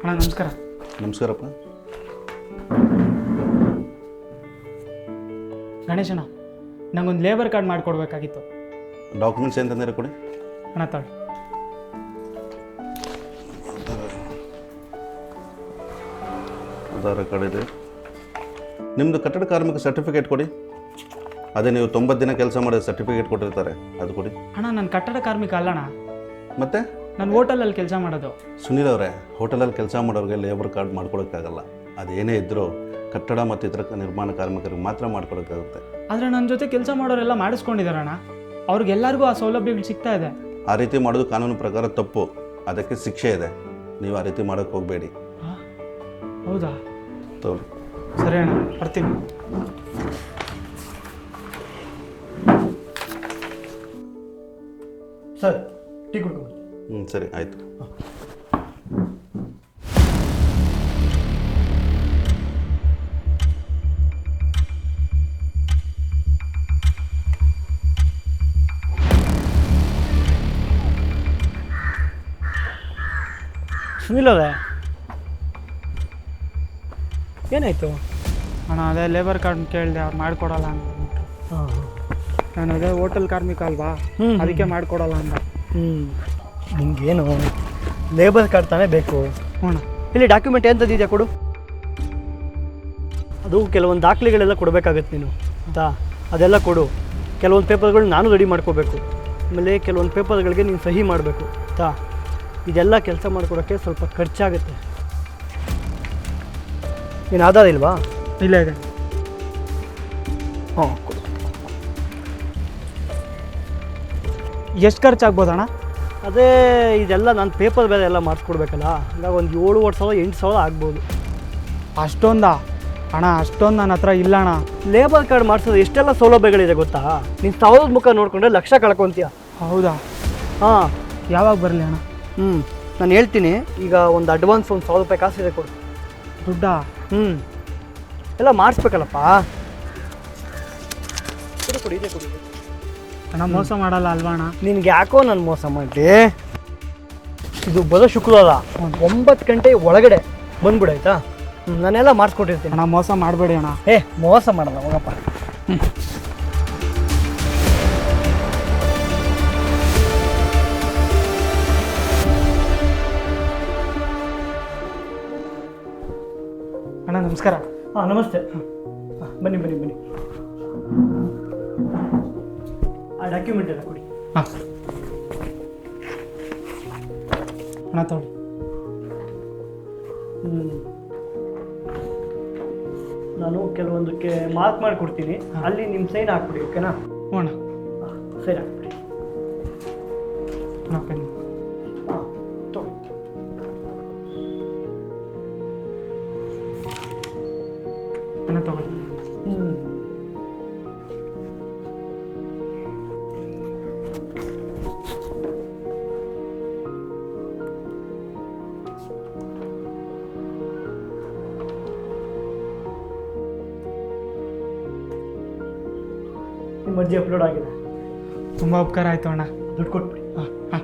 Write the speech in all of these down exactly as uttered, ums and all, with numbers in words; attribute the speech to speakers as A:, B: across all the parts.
A: ಅಣ್ಣ ನಮಸ್ಕಾರ.
B: ನಮಸ್ಕಾರಪ್ಪ.
A: ಗಣೇಶಣ್ಣ, ನಂಗೊಂದು ಲೇಬರ್ ಕಾರ್ಡ್ ಮಾಡಿಕೊಡ್ಬೇಕಾಗಿತ್ತು.
B: ಡಾಕ್ಯುಮೆಂಟ್ಸ್ ಏನಂತಂದರೆ ಕೊಡಿ.
A: ಅಣ್ಣ ತಾಳಿ.
B: ಆಧಾರ್ ಕಾರ್ಡ್ ಇದೆ. ನಿಮ್ಮದು ಕಟ್ಟಡ ಕಾರ್ಮಿಕ ಸರ್ಟಿಫಿಕೇಟ್ ಕೊಡಿ. ಅದೇ ನೀವು ತೊಂಬತ್ತು ದಿನ ಕೆಲಸ ಮಾಡೋ ಸರ್ಟಿಫಿಕೇಟ್ ಕೊಟ್ಟಿರ್ತಾರೆ, ಅದು ಕೊಡಿ.
A: ಅಣ್ಣ ನಾನು ಕಟ್ಟಡ ಕಾರ್ಮಿಕ ಅಲ್ಲಣ್ಣ,
B: ಮತ್ತೆ
A: ನಾನು ಹೋಟೆಲಲ್ಲಿ ಕೆಲಸ ಮಾಡೋದು.
B: ಸುನೀಲ್ ಅವರೇ, ಹೋಟೆಲಲ್ಲಿ ಕೆಲಸ ಮಾಡೋರಿಗೆ ಲೇಬರ್ ಕಾರ್ಡ್ ಮಾಡ್ಕೊಡೋಕ್ಕಾಗಲ್ಲ. ಅದೇನೇ ಇದ್ದರೂ ಕಟ್ಟಡ ಮತ್ತು ಇತರ ನಿರ್ಮಾಣ ಕಾರ್ಮಿಕರಿಗೆ ಮಾತ್ರ ಮಾಡ್ಕೊಡೋಕ್ಕಾಗುತ್ತೆ.
A: ಆದರೆ ನನ್ನ ಜೊತೆ ಕೆಲಸ ಮಾಡೋರೆಲ್ಲ ಮಾಡಿಸ್ಕೊಂಡಿದ್ದಾರಣ್ಣ, ಅವ್ರಿಗೆಲ್ಲರಿಗೂ ಆ ಸೌಲಭ್ಯಗಳು ಸಿಗ್ತಾ ಇದೆ.
B: ಆ ರೀತಿ ಮಾಡೋದು ಕಾನೂನು ಪ್ರಕಾರ ತಪ್ಪು, ಅದಕ್ಕೆ ಶಿಕ್ಷೆ ಇದೆ. ನೀವು ಆ ರೀತಿ ಮಾಡೋಕ್ಕೆ ಹೋಗಬೇಡಿ.
A: ಹೌದಾ?
B: ತಗೊಳ್ಳಿ.
A: ಸರಿ ಅಣ್ಣ, ಬರ್ತೀನಿ.
C: ಸರ್, ಟೀ ಕುಡ್ಕೊಂಡು.
B: ಹ್ಞೂ ಸರಿ, ಆಯಿತು.
C: ಸುನಿಲ್ ಅವರೇ, ಏನಾಯಿತು?
A: ಅಣ್ಣ ಅದೇ ಲೇಬರ್ ಕಾರ್ಡ್ ಕೇಳಿದೆ, ಅವ್ರು ಮಾಡಿಕೊಡಲ್ಲ ಅಂತ.
C: ಹಾಂ
A: ನಾನು ಅದೇ ಹೋಟೆಲ್ ಕಾರ್ಮಿಕ ಅಲ್ವಾ, ಅದಕ್ಕೆ ಮಾಡಿಕೊಡಲ್ಲ ಅಂತ.
C: ಹ್ಞೂ ನಿಮಗೇನು ಲೇಬರ್ ಕಾರ್ಡ್ ತಾನೇ ಬೇಕು?
A: ಹ್ಞೂ.
C: ಇಲ್ಲಿ ಡಾಕ್ಯುಮೆಂಟ್ ಏನು ತಂದಿದ್ಯಾ ಕೊಡು. ಅದು ಕೆಲವೊಂದು ದಾಖಲೆಗಳೆಲ್ಲ ಕೊಡಬೇಕಾಗತ್ತೆ ನೀನು, ಆಯಿತಾ? ಅದೆಲ್ಲ ಕೊಡು. ಕೆಲವೊಂದು ಪೇಪರ್ಗಳು ನಾನು ರೆಡಿ ಮಾಡ್ಕೋಬೇಕು. ಆಮೇಲೆ ಕೆಲವೊಂದು ಪೇಪರ್ಗಳಿಗೆ ನೀನು ಸಹಿ ಮಾಡಬೇಕು, ಆಯಿತಾ? ಇದೆಲ್ಲ ಕೆಲಸ ಮಾಡ್ಕೊಡೋಕ್ಕೆ ಸ್ವಲ್ಪ ಖರ್ಚಾಗುತ್ತೆ. ನೀನು ಆಧಾರ ಇಲ್ವಾ?
A: ಇಲ್ಲ ಇದೆ.
C: ಹಾಂ,
A: ಎಷ್ಟು ಖರ್ಚಾಗ್ಬೋದಣ್ಣ?
C: ಅದೇ ಇದೆಲ್ಲ ನಾನು ಪೇಪರ್ ಬೇರೆ ಎಲ್ಲ ಮಾಡಿಸ್ಕೊಡ್ಬೇಕಲ್ಲ, ಹಂಗಾಗಿ ಒಂದು ಏಳುವರೆ ಸಾವಿರ ಎಂಟು ಸಾವಿರ ಆಗ್ಬೋದು.
A: ಅಷ್ಟೊಂದಾ ಅಣ್ಣ? ಅಷ್ಟೊಂದು ನನ್ನ ಹತ್ರ ಇಲ್ಲ ಅಣ್ಣ.
C: ಲೇಬರ್ ಕಾರ್ಡ್ ಮಾಡಿಸೋದು ಎಷ್ಟೆಲ್ಲ ಸೌಲಭ್ಯಗಳಿದೆ ಗೊತ್ತಾ? ನೀನು ಸಾವಿರದ ಮುಖ ನೋಡಿಕೊಂಡ್ರೆ ಲಕ್ಷ ಕಳ್ಕೊತೀಯ.
A: ಹೌದಾ?
C: ಹಾಂ.
A: ಯಾವಾಗ ಬರಲಿ ಅಣ್ಣ?
C: ಹ್ಞೂ ನಾನು ಹೇಳ್ತೀನಿ. ಈಗ ಒಂದು ಅಡ್ವಾನ್ಸ್ ಒಂದು ಸಾವಿರ ರೂಪಾಯಿ ಕಾಸಿದೆ ಕೊಡು.
A: ದುಡ್ಡಾ?
C: ಹ್ಞೂ ಎಲ್ಲ ಮಾಡಿಸ್ಬೇಕಲ್ಲಪ್ಪ. ಕೊಡು ಕೊಡು, ಇದೆ ಕೊಡು.
A: ಅಣ್ಣ ಮೋಸ ಮಾಡಲ್ಲ ಅಲ್ವಾ ಅಣ್ಣ?
C: ನಿನ್ಗೆ ಯಾಕೋ ನಾನು ಮೋಸ ಮಾಡಿ. ಇದು ಬರೋ ಶುಕ್ರವಾರ ಒಂಬತ್ತು ಗಂಟೆ ಒಳಗಡೆ ಬಂದ್ಬಿಡು, ಆಯಿತಾ? ಹ್ಞೂ ನಾನೆಲ್ಲ ಮಾಡಿಸ್ಕೊಟ್ಟಿರ್ತೀನಿ.
A: ಅಣ್ಣ ಮೋಸ ಮಾಡಬೇಡಿ ಅಣ್ಣ.
C: ಏ ಮೋಸ ಮಾಡಲ್ಲ, ಹೋಗಪ್ಪ. ಹ್ಞೂ
A: ಅಣ್ಣ ನಮಸ್ಕಾರ.
C: ಹಾಂ ನಮಸ್ತೆ. ಹಾಂ ಬನ್ನಿ ಬನ್ನಿ ಬನ್ನಿ. ಆ ಡಾಕ್ಯುಮೆಂಟ್ ಎಲ್ಲ ಕೊಡಿ.
A: ಹಾಂ ಅಣ್ಣ ತಗೊಳ್ಳಿ.
C: ಹ್ಞೂ ನಾನು ಕೆಲವೊಂದಕ್ಕೆ ಮಾರ್ಕ್ ಮಾಡಿಕೊಡ್ತೀನಿ, ಅಲ್ಲಿ ನಿಮ್ಮ ಸೈನ್ ಹಾಕ್ಬಿಡಿ, ಓಕೆನಾ?
A: ಹ್ಞೂ ಅಣ್ಣ.
C: ಹಾಂ ಸೈನ್ ಹಾಕ್ಬಿಡಿ.
A: ಅಣ್ಣ ಪೆನ್.
C: ಹಾಂ ತಗೊಳ್ಳಿ.
A: ಅಣ್ಣ ತಗೊಳ್ಳಿ.
C: ಹ್ಞೂ ನಿಮ್ಮ ಅರ್ಜಿ ಅಪ್ಲೋಡ್ ಆಗಿದೆ.
A: ತುಂಬ ಉಪಕಾರ ಆಯಿತು ಅಣ್ಣ.
C: ದುಡ್ಡು ಕೊಟ್ಬಿಡಿ.
A: ಹಾಂ ಹಾಂ.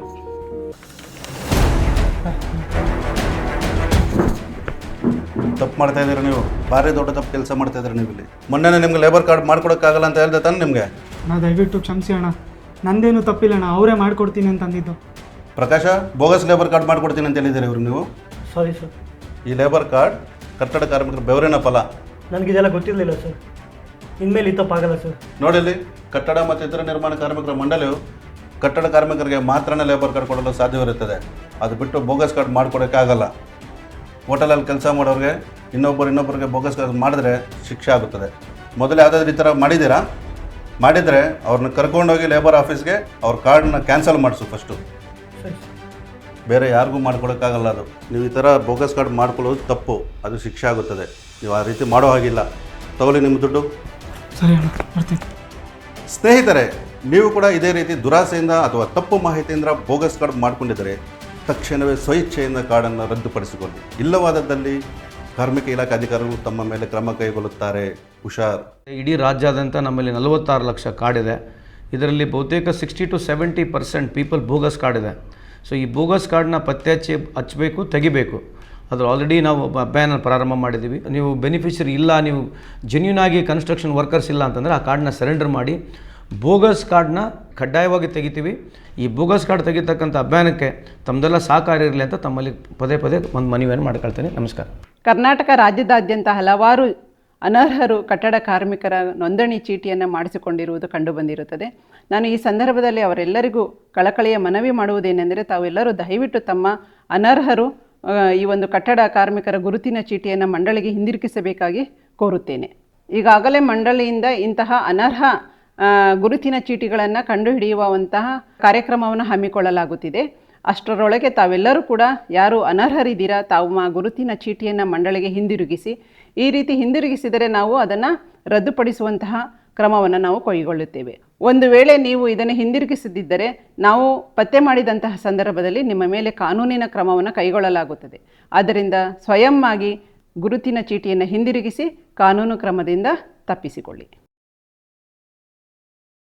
B: ತಪ್ಪು ಮಾಡ್ತಾ ಇದ್ದೀರಾ ನೀವು, ಭಾರಿ ದೊಡ್ಡ ತಪ್ಪು ಕೆಲಸ ಮಾಡ್ತಾ ಇದ್ದೀರಾ ನೀವು ಇಲ್ಲಿ. ಮೊನ್ನೆ ನಿಮ್ಗೆ ಲೇಬರ್ ಕಾರ್ಡ್ ಮಾಡ್ಕೊಡೋಕ್ಕಾಗಲ್ಲ ಅಂತ ಹೇಳ್ದೆ ತಾನೆ ನಿಮಗೆ?
A: ಅಣ್ಣ ದಯವಿಟ್ಟು ಕ್ಷಮಿಸಿ ಅಣ್ಣ, ನಂದೇನು ತಪ್ಪಿಲ್ಲ ಅಣ್ಣ, ಅವರೇ ಮಾಡಿಕೊಡ್ತೀನಿ ಅಂತ ಅಂದಿದ್ದು.
B: ಪ್ರಕಾಶ, ಬೋಗಸ್ ಲೇಬರ್ ಕಾರ್ಡ್ ಮಾಡ್ಕೊಡ್ತೀನಿ ಅಂತ ಹೇಳಿದ್ದೀರಿ ಇವ್ರು ನೀವು.
C: Sorry sir.
B: ಈ ಲೇಬರ್ ಕಾರ್ಡ್ ಕಟ್ಟಡ ಕಾರ್ಮಿಕರ ಬೆವರಿನ ಫಲ.
C: ನನಗಿದೆಲ್ಲ ಗೊತ್ತಿರಲಿಲ್ಲ ಸರ್, ಇನ್ಮೇಲೆ ಈ ತಪ್ಪಾಗಲ್ಲ ಸರ್.
B: ನೋಡಿಲ್ಲಿ, ಕಟ್ಟಡ ಮತ್ತು ಇತರ ನಿರ್ಮಾಣ ಕಾರ್ಮಿಕರ ಮಂಡಳಿಯು ಕಟ್ಟಡ ಕಾರ್ಮಿಕರಿಗೆ ಮಾತ್ರನೇ ಲೇಬರ್ ಕಾರ್ಡ್ ಕೊಡಲು ಸಾಧ್ಯವಿರುತ್ತದೆ. ಅದು ಬಿಟ್ಟು ಬೋಗಸ್ ಕಾರ್ಡ್ ಮಾಡಿಕೊಡೋಕ್ಕಾಗಲ್ಲ. ಹೋಟೆಲಲ್ಲಿ ಕೆಲಸ ಮಾಡೋರಿಗೆ ಇನ್ನೊಬ್ಬರು ಇನ್ನೊಬ್ಬರಿಗೆ ಬೋಗಸ್ ಕಾರ್ಡ್ ಮಾಡಿದ್ರೆ ಶಿಕ್ಷೆ ಆಗುತ್ತದೆ. ಮೊದಲು ಯಾವುದಾದ್ರೂ ಈ ಥರ ಮಾಡಿದ್ದೀರಾ? ಮಾಡಿದರೆ ಅವ್ರನ್ನ ಕರ್ಕೊಂಡೋಗಿ ಲೇಬರ್ ಆಫೀಸ್ಗೆ ಅವ್ರ ಕಾರ್ಡನ್ನ ಕ್ಯಾನ್ಸಲ್ ಮಾಡಿಸು ಫಸ್ಟು.
C: ಸರಿ.
B: ಬೇರೆ ಯಾರಿಗೂ ಮಾಡ್ಕೊಡೋಕ್ಕಾಗಲ್ಲ ಅದು. ನೀವು ಈ ಥರ ಬೋಗಸ್ ಕಾರ್ಡ್ ಮಾಡ್ಕೊಳ್ಳೋದು ತಪ್ಪು, ಅದು ಶಿಕ್ಷೆ ಆಗುತ್ತದೆ. ನೀವು ಆ ರೀತಿ ಮಾಡೋ ಹಾಗಿಲ್ಲ. ತಗೊಳ್ಳಿ ನಿಮ್ಮ ದುಡ್ಡು.
A: ಸರಿ ಅಣ್ಣ, ಬರ್ತೀನಿ.
B: ಸ್ನೇಹಿತರೆ, ನೀವು ಕೂಡ ಇದೇ ರೀತಿ ದುರಾಸೆಯಿಂದ ಅಥವಾ ತಪ್ಪು ಮಾಹಿತಿಯಿಂದ ಬೋಗಸ್ ಕಾರ್ಡ್ ಮಾಡಿಕೊಂಡಿದ್ದರೆ ತಕ್ಷಣವೇ ಸ್ವಇಚ್ಛೆಯಿಂದ ಕಾರ್ಡನ್ನು ರದ್ದುಪಡಿಸಿಕೊಳ್ಳಿ. ಇಲ್ಲವಾದದ್ದಲ್ಲಿ ಕಾರ್ಮಿಕ ಇಲಾಖೆ ಅಧಿಕಾರಿಗಳು ತಮ್ಮ ಮೇಲೆ ಕ್ರಮ ಕೈಗೊಳ್ಳುತ್ತಾರೆ. ಹುಷಾರ್.
D: ಇಡೀ ರಾಜ್ಯಾದ್ಯಂತ ನಮ್ಮಲ್ಲಿ ನಲವತ್ತಾರು ಲಕ್ಷ ಕಾರ್ಡ್ ಇದೆ. ಇದರಲ್ಲಿ ಬಹುತೇಕ sixty two seventy percent people bogus card ಇದೆ. ಸೊ ಈ ಬೋಗಸ್ ಕಾರ್ಡ್ನ ಪತ್ತೆ ಹಚ್ಚಿ ಹಚ್ಚಬೇಕು, ತೆಗಿಬೇಕು. ಅದು ಆಲ್ರೆಡಿ ನಾವು ಅಭಿಯಾನ ಪ್ರಾರಂಭ ಮಾಡಿದ್ದೀವಿ. ನೀವು ಬೆನಿಫಿಷರಿ ಇಲ್ಲ, ನೀವು ಜೆನ್ಯೂನ್ ಆಗಿ ಕನ್ಸ್ಟ್ರಕ್ಷನ್ ವರ್ಕರ್ಸ್ ಇಲ್ಲ ಅಂತಂದರೆ ಆ ಕಾರ್ಡ್ನ ಸರೆಂಡರ್ ಮಾಡಿ. ಬೋಗಸ್ ಕಾರ್ಡ್ನ ಕಡ್ಡಾಯವಾಗಿ ತೆಗಿತೀವಿ. ಈ ಬೋಗಸ್ ಕಾರ್ಡ್ ತೆಗಿತಕ್ಕಂಥ ಅಭಿಯಾನಕ್ಕೆ ತಮ್ಮದೆಲ್ಲ ಸಹಕಾರ ಇರಲಿ ಅಂತ ತಮ್ಮಲ್ಲಿ ಪದೇ ಪದೇ ಒಂದು ಮನವಿಯನ್ನು ಮಾಡ್ಕೊಳ್ತೇನೆ. ನಮಸ್ಕಾರ.
E: ಕರ್ನಾಟಕ ರಾಜ್ಯದಾದ್ಯಂತ ಹಲವಾರು ಅನರ್ಹರು ಕಟ್ಟಡ ಕಾರ್ಮಿಕರ ನೋಂದಣಿ ಚೀಟಿಯನ್ನು ಮಾಡಿಸಿಕೊಂಡಿರುವುದು ಕಂಡುಬಂದಿರುತ್ತದೆ. ನಾನು ಈ ಸಂದರ್ಭದಲ್ಲಿ ಅವರೆಲ್ಲರಿಗೂ ಕಳಕಳಿಯ ಮನವಿ ಮಾಡುವುದೇನೆಂದರೆ, ತಾವೆಲ್ಲರೂ ದಯವಿಟ್ಟು ತಮ್ಮ ಅನರ್ಹರು ಈ ಒಂದು ಕಟ್ಟಡ ಕಾರ್ಮಿಕರ ಗುರುತಿನ ಚೀಟಿಯನ್ನು ಮಂಡಳಿಗೆ ಹಿಂದಿರುಗಿಸಬೇಕಾಗಿ ಕೋರುತ್ತೇನೆ. ಈಗಾಗಲೇ ಮಂಡಳಿಯಿಂದ ಇಂತಹ ಅನರ್ಹ ಗುರುತಿನ ಚೀಟಿಗಳನ್ನು ಕಂಡುಹಿಡಿಯುವಂತಹ ಕಾರ್ಯಕ್ರಮವನ್ನು ಹಮ್ಮಿಕೊಳ್ಳಲಾಗುತ್ತಿದೆ. ಅಷ್ಟರೊಳಗೆ ತಾವೆಲ್ಲರೂ ಕೂಡ ಯಾರು ಅನರ್ಹರಿದ್ದೀರಾ ತಾವು ಆ ಗುರುತಿನ ಚೀಟಿಯನ್ನು ಮಂಡಳಿಗೆ ಹಿಂದಿರುಗಿಸಿ. ಈ ರೀತಿ ಹಿಂದಿರುಗಿಸಿದರೆ ನಾವು ಅದನ್ನು ರದ್ದುಪಡಿಸುವಂತಹ ಕ್ರಮವನ್ನು ನಾವು ಕೈಗೊಳ್ಳುತ್ತೇವೆ. ಒಂದು ವೇಳೆ ನೀವು ಇದನ್ನು ಹಿಂದಿರುಗಿಸದಿದ್ದರೆ ನಾವು ಪತ್ತೆ ಮಾಡಿದಂತಹ ಸಂದರ್ಭದಲ್ಲಿ ನಿಮ್ಮ ಮೇಲೆ ಕಾನೂನಿನ ಕ್ರಮವನ್ನು ಕೈಗೊಳ್ಳಲಾಗುತ್ತದೆ. ಆದ್ದರಿಂದ ಸ್ವಯಂ ಆಗಿ ಗುರುತಿನ ಚೀಟಿಯನ್ನು ಹಿಂದಿರುಗಿಸಿ ಕಾನೂನು ಕ್ರಮದಿಂದ ತಪ್ಪಿಸಿಕೊಳ್ಳಿ.